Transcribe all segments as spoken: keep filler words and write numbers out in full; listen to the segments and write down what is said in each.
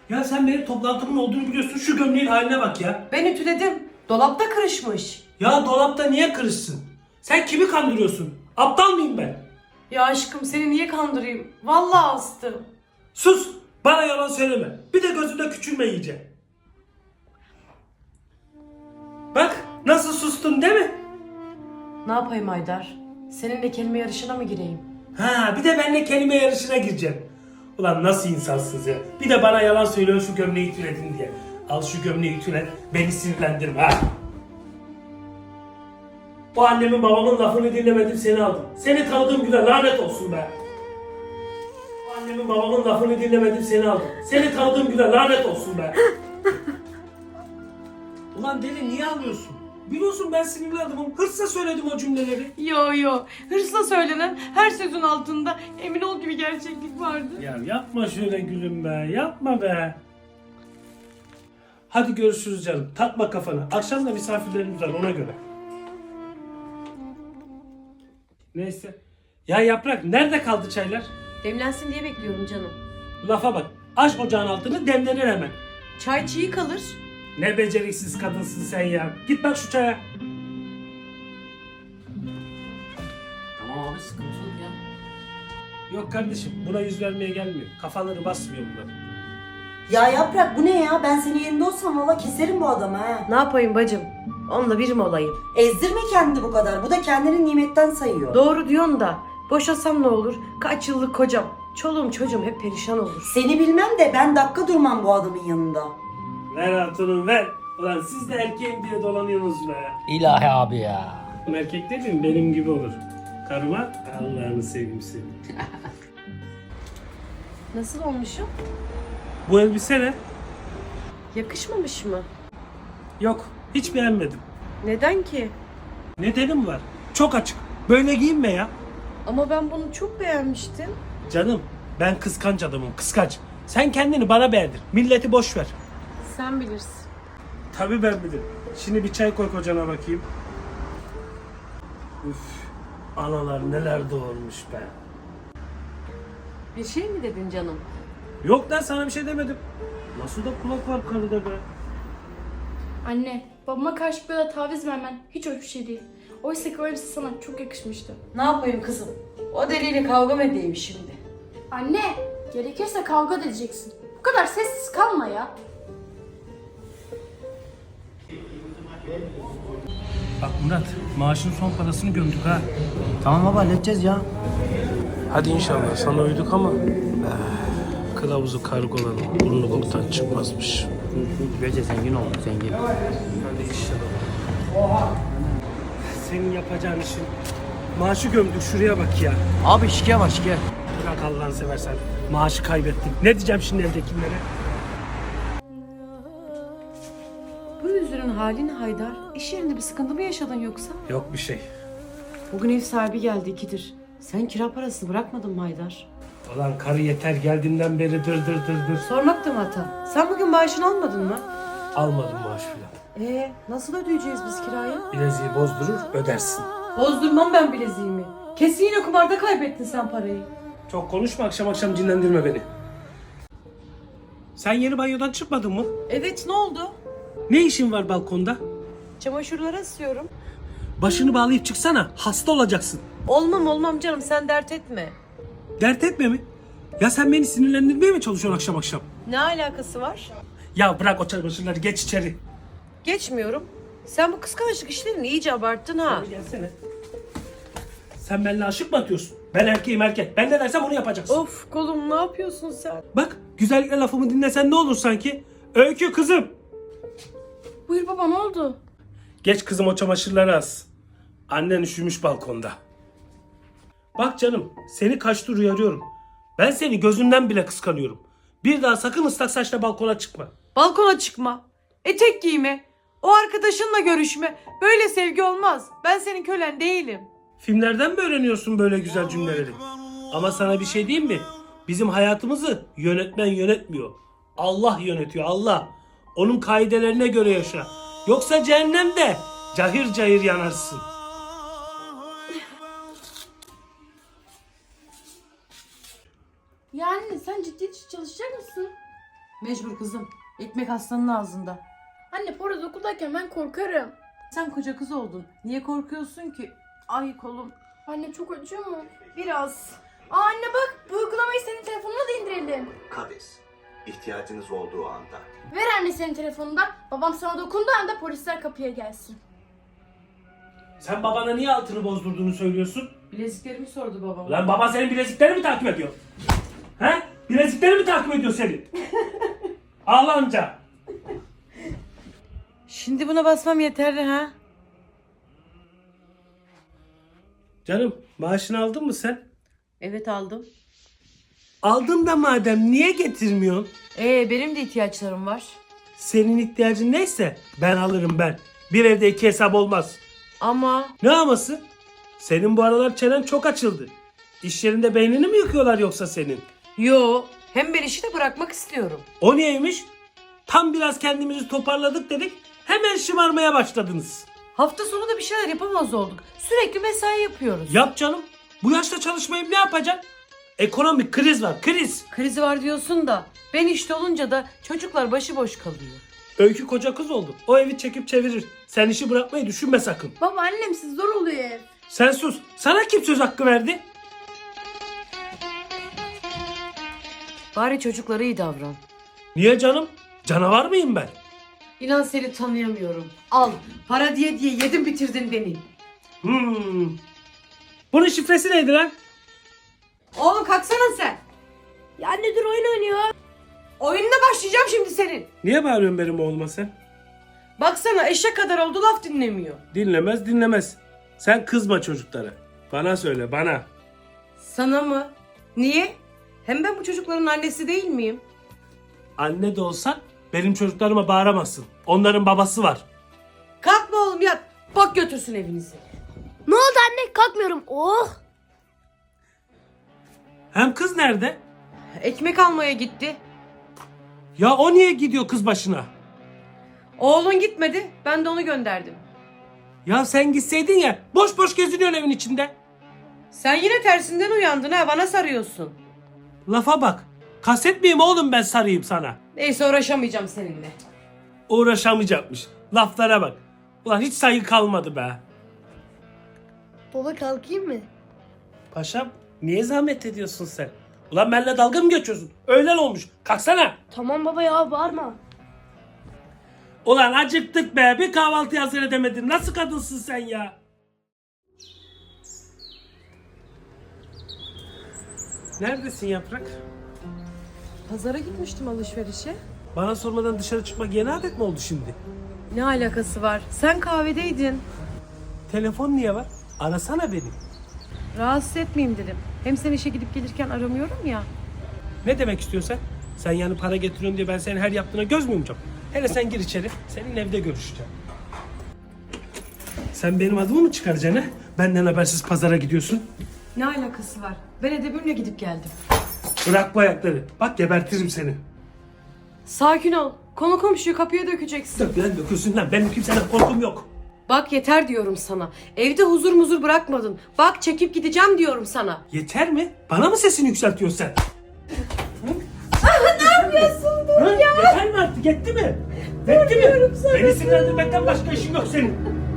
Ya sen benim toplantımın olduğunu biliyorsun. Şu gömleğin haline bak ya. Ben ütüledim. Dolapta kırışmış. Ya dolapta niye kırışsın? Sen kimi kandırıyorsun? Aptal mıyım ben? Ya aşkım seni niye kandırayım? Vallahi astım. Sus! Bana yalan söyleme. Bir de gözünde küçülme iyice. Bak nasıl sustun değil mi? Ne yapayım Haydar? Seninle kelime yarışına mı gireyim? Ha bir de benimle kelime yarışına gireceksin. Ulan nasıl insansınız ya? Bir de bana yalan söylüyorsun şu gömleği ütüledin diye. Al şu gömleği ütüle. Beni sinirlendirme ha. O annemin babamın lafını dinlemedim seni aldım. Seni tanıdığım güne lanet olsun be. O annemin babamın lafını dinlemedim seni aldım. Seni tanıdığım güne lanet olsun be. Ulan deli niye ağlıyorsun? Biliyorsun ben sinirli adamım. Hırsla söyledim o cümleleri. Yo yo. Hırsla söylenen her sözün altında emin ol gibi gerçeklik vardı. Ya yapma şöyle gülüm be. Yapma be. Hadi görüşürüz canım. Takma kafana. Akşam da misafirlerimiz var ona göre. Neyse. Ya Yaprak nerede kaldı çaylar? Demlensin diye bekliyorum canım. Lafa bak. Aç ocağın altını demlenir hemen. Çay çiğ kalır. Ne beceriksiz kadınsın sen ya. Git bak şu çaya. Tamam abi sıkıntı yok ya. Yok kardeşim buna yüz vermeye gelmiyor. Kafaları basmıyor bunlar. Ya Yaprak bu ne ya? Ben senin yerinde olsam valla keserim bu adamı ha. Ne yapayım bacım? Onunla bir mi olayım? Ezdirme kendini bu kadar. Bu da kendini nimetten sayıyor. Doğru diyorsun da. Boşasam ne olur? Kaç yıllık kocam. Çoluğum çocuğum hep perişan olur. Seni bilmem de ben dakika durmam bu adamın yanında. Ver hatunum ver. Ulan siz de erkeğim diye dolanıyorsunuz be. İlahi abi ya. Erkek dediğin benim gibi olur. Karıma Allah'ını seveyim seni. Nasıl olmuşum? Bu elbise ne? Yakışmamış mı? Yok hiç beğenmedim. Neden ki? Nedenim var. Çok açık. Böyle giyinme ya. Ama ben bunu çok beğenmiştim. Canım ben kıskanç adamım kıskanç. Sen kendini bana beğendir. Milleti boş ver. Sen bilirsin. Tabii ben bilirim. Şimdi bir çay koy kocana bakayım. Üf. Analar neler doğurmuş be. Bir şey mi dedin canım? Yok lan sana bir şey demedim. Nasıl da kulak var karıda be. Anne, babama karşı böyle taviz vermen hiç hoş bir şey değil. Oysa ki o elbise sana çok yakışmıştı. Ne yapayım kızım? O deliyle kavga mı edeyim şimdi? Anne, gerekirse kavga da edeceksin. Bu kadar sessiz kalma ya. Bak Murat maaşın son parasını gömdük ha. Tamam baba halledeceğiz ya. Hadi inşallah sana uyduk ama kılavuzu kargolanın burnu boktan çıkmazmış. Böylece zengin olduk zengin. Hadi inşallah. Senin yapacağın işin maaşı gömdük şuraya bak ya. Abi şike var şike. Bırak Allah'ını seversen maaşı kaybettim. Ne diyeceğim şimdi evdekilere? Bu yüzünün halini Haydar. İş yerinde bir sıkıntı mı yaşadın yoksa? Yok bir şey. Bugün ev sahibi geldi ikidir. Sen kira parasını bırakmadın mı Haydar? Ulan karı yeter geldiğinden beri dır dır dır dır. Sormak da mı hata? Sen bugün maaşını almadın mı? Almadım maaş filan. Ee, nasıl ödeyeceğiz biz kirayı? Bileziği bozdurur ödersin. Bozdurmam ben bileziğimi. Kesin yine kumarda kaybettin sen parayı. Çok konuşma akşam akşam cinlendirme beni. Sen yeni banyodan çıkmadın mı? Evet, ne oldu? Ne işin var balkonda? Çamaşırları asıyorum. Başını bağlayıp çıksana hasta olacaksın. Olmam olmam canım, sen dert etme. Dert etme mi? Ya sen beni sinirlendirmeye mi çalışıyorsun akşam akşam? Ne alakası var? Ya bırak o çamaşırları geç içeri. Geçmiyorum. Sen bu kıskançlık işlerini iyice abarttın ha. Gelsene. Sen benimle aşık mı atıyorsun? Ben erkeğim erkek. Ben ne dersem onu yapacaksın. Of kolum, ne yapıyorsun sen? Bak güzellikle lafımı dinlesen ne olur sanki? Öykü kızım. Buyur baba, ne oldu? Geç kızım o çamaşırları as. Annen üşümüş balkonda. Bak canım seni kaç tur uyarıyorum. Ben seni gözünden bile kıskanıyorum. Bir daha sakın ıslak saçla balkona çıkma. Balkona çıkma. Etek giyme. O arkadaşınla görüşme. Böyle sevgi olmaz. Ben senin kölen değilim. Filmlerden mi öğreniyorsun böyle güzel cümleleri? Ama sana bir şey diyeyim mi? Bizim hayatımızı yönetmen yönetmiyor. Allah yönetiyor Allah. Onun kaidelerine göre yaşa. Yoksa cehennemde cahir cahir yanarsın. Yani sen ciddi çalışacak mısın? Mecbur kızım. Ekmek aslanın ağzında. Anne Poyraz okuldayken ben korkarım. Sen koca kız oldun. Niye korkuyorsun ki? Ay kolum. Anne çok acıyor mu? Biraz. Aa anne bak bu uygulamayı senin telefonuna da indirelim. Kades. İhtiyacınız olduğu anda. Ver anne senin telefonundan. Babam sana dokunduğu anda polisler kapıya gelsin. Sen babana niye altını bozdurduğunu söylüyorsun? Bileziklerimi sordu babam. Lan baban senin bileziklerini mi takip ediyor? He? Bilezikleri mi takip ediyor senin? Ağlanca. Şimdi buna basmam yeterli ha? Canım maaşını aldın mı sen? Evet aldım. Aldın da madem niye getirmiyorsun? Ee benim de ihtiyaçlarım var. Senin ihtiyacın neyse ben alırım ben. Bir evde iki hesap olmaz. Ama Ne aması? Senin bu aralar çenen çok açıldı. İş yerinde beynini mi yıkıyorlar yoksa senin? yo, hem ben işi de bırakmak istiyorum. O niyeymiş? Tam biraz kendimizi toparladık dedik. Hemen şımarmaya başladınız. Hafta sonu da bir şeyler yapamaz olduk. Sürekli mesai yapıyoruz. Yap canım. Bu yaşta çalışmayıp ne yapacaksın? Ekonomik kriz var, kriz. Krizi var diyorsun da ben işte olunca da çocuklar başıboş kalıyor. Öykü koca kız oldu. O evi çekip çevirir. Sen işi bırakmayı düşünme sakın. Baba annemsiz zor oluyor ev. Sen sus. Sana kim söz hakkı verdi? Bari çocuklara iyi davran. Niye canım? Canavar mıyım ben? İnan seni tanıyamıyorum. Al, para diye diye yedin bitirdin beni. Hmm. Bunun şifresi neydi lan? Oğlum kalksana sen. Ya anne dur oyun oynuyor. Oyununa başlayacağım şimdi senin. Niye bağırıyorsun benim oğluma sen? Baksana eşek kadar oldu laf dinlemiyor. Dinlemez dinlemez. Sen kızma çocuklara. Bana söyle bana. Sana mı? Niye? Hem ben bu çocukların annesi değil miyim? Anne de olsan benim çocuklarıma bağıramazsın. Onların babası var. Kalkma oğlum yat. Bak götürsün evinizi. Ne oldu anne kalkmıyorum. Oh. Hem kız nerede? Ekmek almaya gitti. Ya o niye gidiyor kız başına? Oğlun gitmedi. Ben de onu gönderdim. Ya sen gitseydin ya boş boş geziniyorsun evin içinde. Sen yine tersinden uyandın ha. Bana sarıyorsun. Lafa bak. Kaset miyim oğlum ben sarayım sana? Neyse uğraşamayacağım seninle. Uğraşamayacakmış. Laflara bak. Ulan hiç saygı kalmadı be. Baba kalkayım mı? Paşam niye zahmet ediyorsun sen? Ulan benimle dalga mı geçiyorsun? Öğlen olmuş. Kalksana. Tamam baba ya bağırma. Ulan acıktık be. Bir kahvaltı hazır edemedin. Nasıl kadınsın sen ya? Neredesin Yaprak? Pazara gitmiştim alışverişe. Bana sormadan dışarı çıkmak yeni adet mi oldu şimdi? Ne alakası var? Sen kahvedeydin. Telefon niye var? Arasana beni. Rahatsız etmeyeyim dedim. Hem sen işe gidip gelirken aramıyorum ya. Ne demek istiyorsan? Sen yani para getiriyorsun diye ben senin her yaptığına göz mü yumacağım? Hele sen gir içeri. Senin evde görüşeceğim. Sen benim adımı mı çıkaracaksın ha? Benden habersiz pazara gidiyorsun. Ne alakası var? Ben edebimle gidip geldim. Bırak bu ayakları. Bak gebertirim seni. Sakin ol. Konu komşuyu kapıya dökeceksin. Dök lan dökülsün lan. Benim kimseden korkum yok. Bak yeter diyorum sana. Evde huzur muzur bırakmadın. Bak çekip gideceğim diyorum sana. Yeter mi? Bana mı sesini yükseltiyorsun sen? Ne yapıyorsun? Dur ya. Yeter mi artık? Yetti mi? Yetti mi? Beni sinirlendirmekten başka işin yok senin.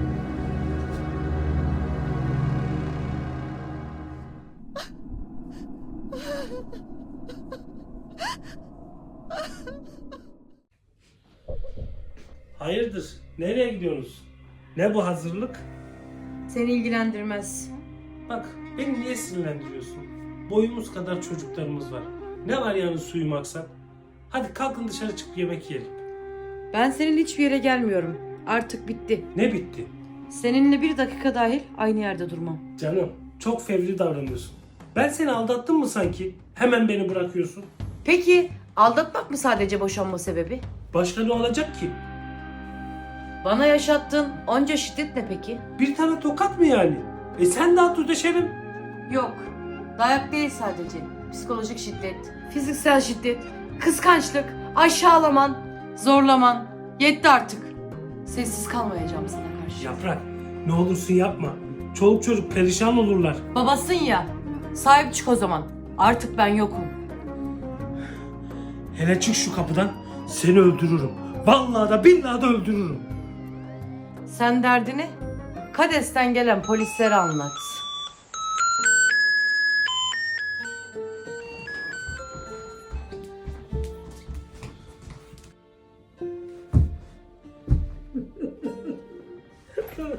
Hayırdır? Nereye gidiyorsunuz? Ne bu hazırlık? Seni ilgilendirmez. Bak beni niye sinirlendiriyorsun? Boyumuz kadar çocuklarımız var. Ne var yani suyum aksak? Hadi kalkın dışarı çıkıp yemek yiyelim. Ben senin hiçbir yere gelmiyorum. Artık bitti. Ne bitti? Seninle bir dakika dahil aynı yerde durmam. Canım çok fevri davranıyorsun. Ben seni aldattım mı sanki? Hemen beni bırakıyorsun. Peki aldatmak mı sadece boşanma sebebi? Başka ne olacak ki? Bana yaşattığın onca şiddet ne peki? Bir tane tokat mı yani? E sen de at ödeşelim. Yok. Dayak değil sadece. Psikolojik şiddet, fiziksel şiddet, kıskançlık, aşağılaman, zorlaman. Yetti artık. Sessiz kalmayacağım sana karşı. Yaprak ne olursun yapma. Çoluk çocuk perişan olurlar. Babasın ya. Sahip çık o zaman. Artık ben yokum. Hele çık şu kapıdan, seni öldürürüm. Vallahi da billahi da öldürürüm. Sen derdini Kades'ten gelen polislere anlat.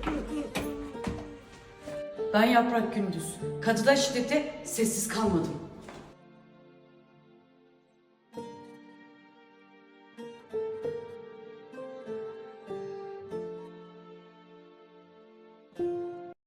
Ben Yaprak Gündüz. Kadıda şiddete sessiz kalmadım.